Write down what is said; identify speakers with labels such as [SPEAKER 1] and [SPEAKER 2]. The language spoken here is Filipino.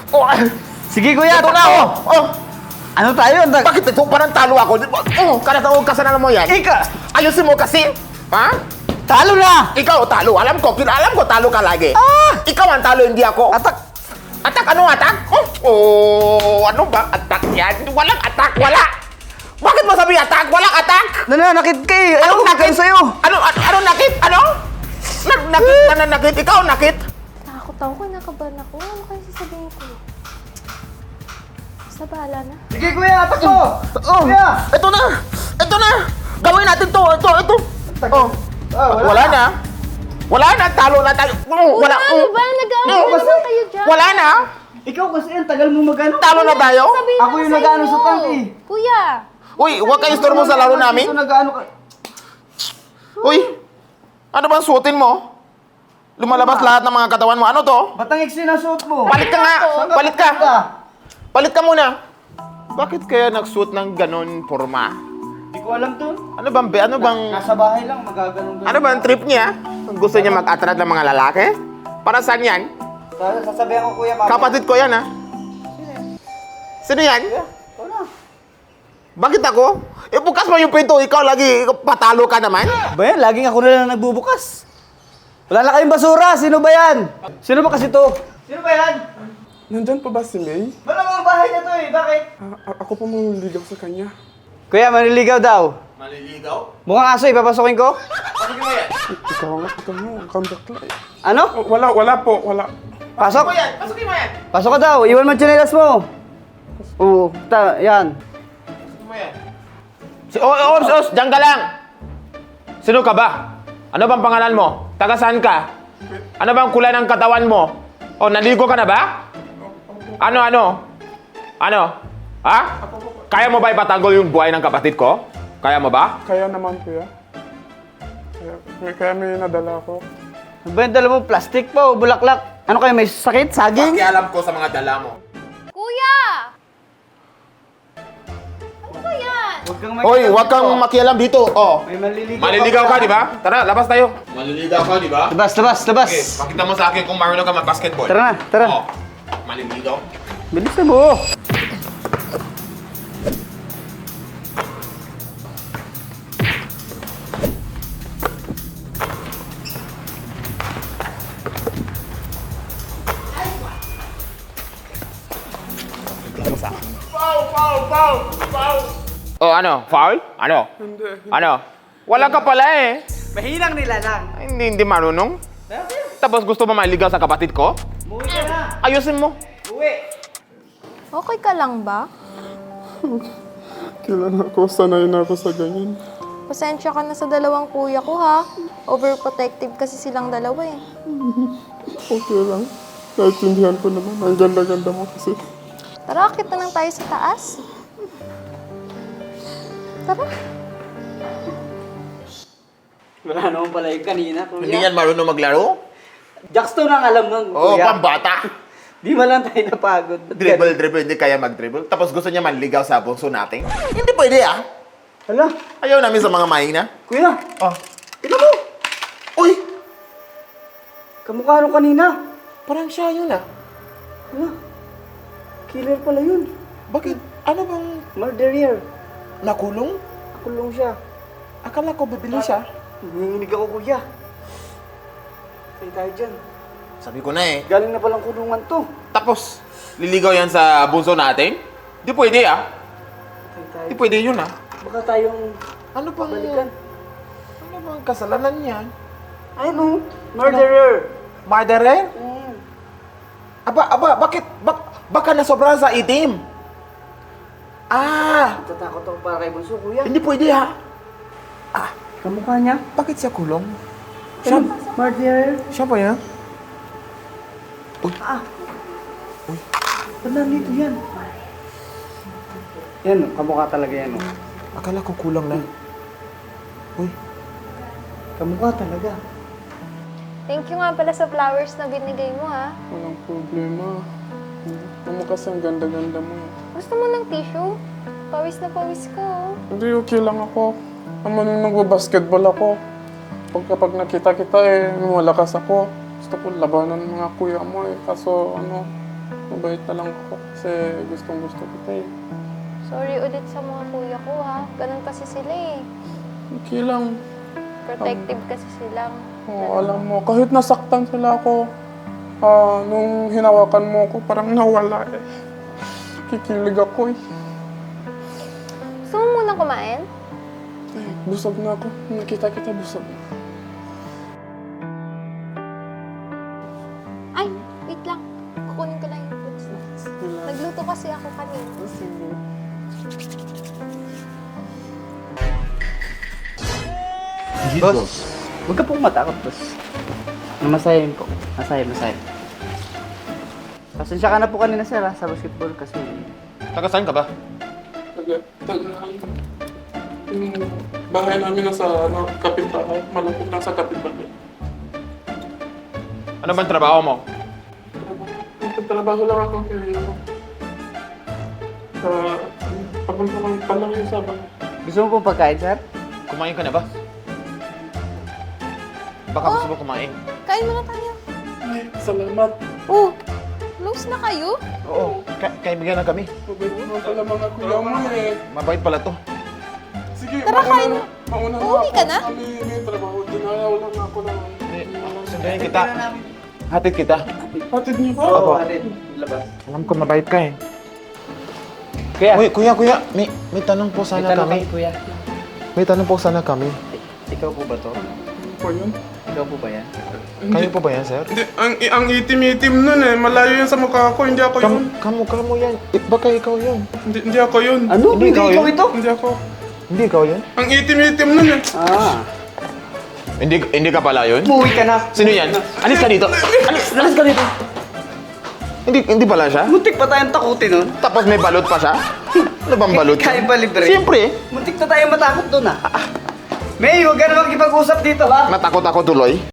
[SPEAKER 1] Oh,
[SPEAKER 2] Sige kuya,
[SPEAKER 1] ito na,
[SPEAKER 2] takbo.
[SPEAKER 1] oh.
[SPEAKER 2] Ano tayo?
[SPEAKER 1] Bakit ito? Parang talo ako. Kanataog ka sana mo yan. Ayusin mo kasi. Ha?
[SPEAKER 2] Talo na!
[SPEAKER 1] Ikaw talo. Alam ko talo ka lagi. Ikaw ang talo, hindi ako.
[SPEAKER 2] Atak!
[SPEAKER 1] Atak? Anong atak? Ano ba? Atak yan? Walang atak, wala. Bakit mo sabi atak? Walang atak.
[SPEAKER 2] Nananakit ka eh! Ayaw
[SPEAKER 1] Anong nakit?
[SPEAKER 2] sa'yo!
[SPEAKER 1] Anong nakit? Ano? Nananakit? Ikaw nakit?
[SPEAKER 3] Takot ako, kinakabahan ako. Ano kaya sasabihin ko? Basta bahala na.
[SPEAKER 2] Sige kuya, takbo! Kuya!
[SPEAKER 1] Ito na! Ito na! Gawin natin to! Ito! Oh. Wala na! Wala na! Talo na tayo! Wala!
[SPEAKER 3] Ano ba? Nag-aaway naman kayo dyan.
[SPEAKER 1] Wala na!
[SPEAKER 2] Ikaw kasi ang tagal mo magano.
[SPEAKER 1] Talo na tayo!
[SPEAKER 3] Sabihin
[SPEAKER 2] Ako
[SPEAKER 3] ko
[SPEAKER 2] yung
[SPEAKER 3] sa
[SPEAKER 2] nag-ano
[SPEAKER 3] inyo.
[SPEAKER 2] sa tank eh.
[SPEAKER 3] Kuya!
[SPEAKER 1] Uy, huwag kayo istorbo sa laro namin!
[SPEAKER 2] Ito nag-ano ka.
[SPEAKER 1] Uy! Ano bang suotin mo? Lumalabas lahat ng mga katawan mo. Ano to?
[SPEAKER 2] Batang iksi na suot mo.
[SPEAKER 1] Palit ka nga!
[SPEAKER 3] Saan
[SPEAKER 1] Palit ka! Palit ka muna! Bakit kaya nagsuot ng ganon forma?
[SPEAKER 2] Hindi ko alam to.
[SPEAKER 1] Ano bang...
[SPEAKER 2] Nasa bahay lang, magaganong.
[SPEAKER 1] Ano ba ang trip niya? Gusto niya mag-attract ng mga lalaki? Para saan yan?
[SPEAKER 2] Sasabihan ko kuya, mama.
[SPEAKER 1] Kapatid ko yan, ha? Sino yan?
[SPEAKER 2] Wala.
[SPEAKER 1] Bakit ako? Bukas mo yung pinto, ikaw lagi patalo ka naman?
[SPEAKER 2] Ba yan? Laging ako na lang nagbubukas. Wala na kayong basura. Sino ba yan? Sino ba kasi to? Sino ba yan?
[SPEAKER 4] Nandyan pa ba si May?
[SPEAKER 2] Malamang bahay na to eh. Bakit?
[SPEAKER 4] Ako pa mangliligaw sa kanya.
[SPEAKER 2] Kuya, maniligaw daw.
[SPEAKER 1] Maliligaw?
[SPEAKER 2] Mukhang aso eh. Papasukin ko.
[SPEAKER 4] Ikaw nga, ang bakla eh.
[SPEAKER 2] Ano?
[SPEAKER 4] Wala po, wala.
[SPEAKER 2] Pasok.
[SPEAKER 1] Pasukin mo yan!
[SPEAKER 2] Pasok ka daw. Iwan mo ang tsinelas mo. Oo. Yan.
[SPEAKER 1] Diyan ka lang! Sino ka ba? Ano bang pangalan mo? Taga saan ka? Ano bang kulay ng katawan mo? Naligo ka na ba? Ano? Ha? Kaya mo ba ipatanggol yung buhay ng kapatid ko? Kaya mo ba?
[SPEAKER 4] Kaya naman, kuya. Kaya may nadala ako.
[SPEAKER 2] Ano ba yung dala mo? Plastic pa o bulaklak? Ano kayo? May sakit? Saging?
[SPEAKER 1] Pakialam ko sa mga dala mo.
[SPEAKER 3] Kuya! Ano ba yan?
[SPEAKER 1] Hoy, huwag kang makialam dito.
[SPEAKER 2] May maliligaw.
[SPEAKER 1] Maliligaw ka, di ba? Tara, labas tayo. Maliligaw ka, di ba?
[SPEAKER 2] Labas.
[SPEAKER 1] Pakita mo sa akin kung marunong ka mag-basketball.
[SPEAKER 2] Tara na, tara.
[SPEAKER 1] Maliligaw.
[SPEAKER 2] Bilisan mo.
[SPEAKER 1] Ano? Foul? Ano? Ano? Wala ka pala eh.
[SPEAKER 2] Mahinang nila lang.
[SPEAKER 1] Ay, hindi marunong. Tapos gusto mo maligaw sa kapatid ko?
[SPEAKER 2] Umuwi ka na.
[SPEAKER 1] Ayusin mo.
[SPEAKER 2] Uwi.
[SPEAKER 3] Okay ka lang ba?
[SPEAKER 4] Kailan ako, sanay na ako sa ganyan.
[SPEAKER 3] Pasensya ka na sa dalawang kuya ko, ha? Overprotective kasi silang dalawa, eh.
[SPEAKER 4] Okay lang. Naintindihan ko naman. Ang ganda-ganda mo kasi.
[SPEAKER 3] Tara, akit na lang tayo sa taas. Tara.
[SPEAKER 2] Wala naman pala yung kanina, kuya.
[SPEAKER 1] Hindi yan marunong maglaro?
[SPEAKER 2] Jackstone ang alam nun,
[SPEAKER 1] Oo,
[SPEAKER 2] kuya.
[SPEAKER 1] pambata.
[SPEAKER 2] Di man lang tayo napagod.
[SPEAKER 1] Dribble, hindi kaya mag-dribble. Tapos gusto niya manligaw sa bunso natin? Hindi pwede ah.
[SPEAKER 2] Hala,
[SPEAKER 1] Ayaw namin sa mga mahina.
[SPEAKER 2] kuya.
[SPEAKER 1] Oh.
[SPEAKER 2] Tignan mo.
[SPEAKER 1] Uy!
[SPEAKER 2] Kamukha nung kanina.
[SPEAKER 1] Parang siya yun ah.
[SPEAKER 2] Hala. Killer pala yun.
[SPEAKER 1] Bakit? Ano bang
[SPEAKER 2] Murderer.
[SPEAKER 1] nakulong?
[SPEAKER 2] Nakulong siya.
[SPEAKER 1] Akala ko bibili siya.
[SPEAKER 2] Nanginginig ako, kuya. Say tayo dyan.
[SPEAKER 1] Sabi ko na eh.
[SPEAKER 2] Galing na palang kulungan to.
[SPEAKER 1] Tapos, liligaw yan sa bunso natin? Di pwede ah.
[SPEAKER 2] Say tayo.
[SPEAKER 1] Di pwede yun ah.
[SPEAKER 2] Baka tayong
[SPEAKER 1] Ano bang...
[SPEAKER 2] balikan.
[SPEAKER 1] Ano bang kasalanan niyan?
[SPEAKER 2] Ay, no. Murderer.
[SPEAKER 1] Murderer?
[SPEAKER 2] Mm.
[SPEAKER 1] Bakit? Baka nasobrahan sa itim.
[SPEAKER 2] Natatakot ako para kay Bunso, kuya.
[SPEAKER 1] Hindi pwede ha.
[SPEAKER 2] Kamukha niya.
[SPEAKER 1] Bakit siya kulong?
[SPEAKER 2] Siya. Murderer.
[SPEAKER 1] Siya ba yan?
[SPEAKER 2] Ba't nandito yan? Yan, kamukha talaga yan. Oh.
[SPEAKER 1] Akala ko kulang na. Uy,
[SPEAKER 2] Kamukha talaga.
[SPEAKER 3] Thank you nga pala sa flowers na binigay mo, ha?
[SPEAKER 4] Walang problema. Ano kasi ang ganda-ganda mo.
[SPEAKER 3] Gusto mo ng tissue? Pawis na pawis ko, oh.
[SPEAKER 4] Hindi, okay lang ako. Naman nung nagbabasketball ako. Kapag nakita kita eh, malakas ako. Gusto ko labanan ng mga kuya mo eh. Kaso ano, Mabait na lang ako kasi gustong gusto kita eh.
[SPEAKER 3] Sorry ulit sa mga kuya ko ha. Ganun kasi sila eh.
[SPEAKER 4] Okay lang.
[SPEAKER 3] Protective kasi silang.
[SPEAKER 4] Oo, alam mo, kahit nasaktan sila ako, nung hinawakan mo ako, parang nawala eh. Kikilig ako eh.
[SPEAKER 3] Gusto mo muna kumain?
[SPEAKER 4] Ay, busog na ako. Nakita kita busog na.
[SPEAKER 3] Ay, wait lang. Kukunin ko lang yung food snacks. Nagluto kasi ako kanina.
[SPEAKER 4] Sige.
[SPEAKER 2] Boss, huwag ka pong matakot, boss. Masahin po. Masahin. Pasensya ka na po kanina, sir, sa basketball kasi...
[SPEAKER 1] Taga saan ka ba?
[SPEAKER 4] Yung bahay namin nasa kapitbahay. Malapit lang sa kapitbahay.
[SPEAKER 1] Ano bang trabaho mo?
[SPEAKER 4] Nagtatrabaho lang ako kaya papunta lang palang yung sa bahay.
[SPEAKER 2] Gusto mo pong pagkain, sir?
[SPEAKER 1] Kumain ka na ba? Baka gusto mo kumain.
[SPEAKER 3] Kain muna tayo.
[SPEAKER 4] Ay, salamat.
[SPEAKER 3] Oh, close na kayo?
[SPEAKER 1] Oo, kaibigan na kami.
[SPEAKER 4] Mabait mo pala mga kuya mo eh.
[SPEAKER 1] Mabait pala to.
[SPEAKER 4] Sige,
[SPEAKER 3] Tara, kain.
[SPEAKER 4] mauna na
[SPEAKER 3] Uuwi ka na?
[SPEAKER 4] May trabaho. Dinayaw lang ako ng...
[SPEAKER 1] Sundayin kita. Hatid kita.
[SPEAKER 4] Hatid niyo ba?
[SPEAKER 1] Opo.
[SPEAKER 2] Labas.
[SPEAKER 1] Alam ko mabait ka eh.
[SPEAKER 2] Kuya,
[SPEAKER 1] Uy, kuya, may tanong po sana kami.
[SPEAKER 2] kuya.
[SPEAKER 1] May tanong po sana kami.
[SPEAKER 2] Ikaw po ba to?
[SPEAKER 4] Ano po yun?
[SPEAKER 2] Ikaw po ba yan?
[SPEAKER 1] Kayo po ba yan, sir?
[SPEAKER 4] Hindi, ang itim-itim nun eh. Malayo yun sa mukha ko. Hindi ako yun.
[SPEAKER 1] Kamo yan. Baka ikaw yun.
[SPEAKER 4] Hindi ako yun.
[SPEAKER 2] Ano?
[SPEAKER 1] Hindi ikaw yun?
[SPEAKER 2] ito?
[SPEAKER 4] Hindi ako.
[SPEAKER 1] Hindi ikaw yun?
[SPEAKER 4] Ang itim-itim nun eh.
[SPEAKER 1] Hindi ka pala yun?
[SPEAKER 2] Umuwi ka na.
[SPEAKER 1] Sino yan? Alis ka dito.
[SPEAKER 2] Alas ka dito.
[SPEAKER 1] Hindi pala siya?
[SPEAKER 2] Muntik pa tayong takutin nun.
[SPEAKER 1] Tapos may balot pa siya? Ano bang balot?
[SPEAKER 2] Kaya ba libre?
[SPEAKER 1] Siyempre.
[SPEAKER 2] Muntik na tayong matakot doon ah. May, huwag ka na makipag-usap dito ha.
[SPEAKER 1] Natakot ako tuloy.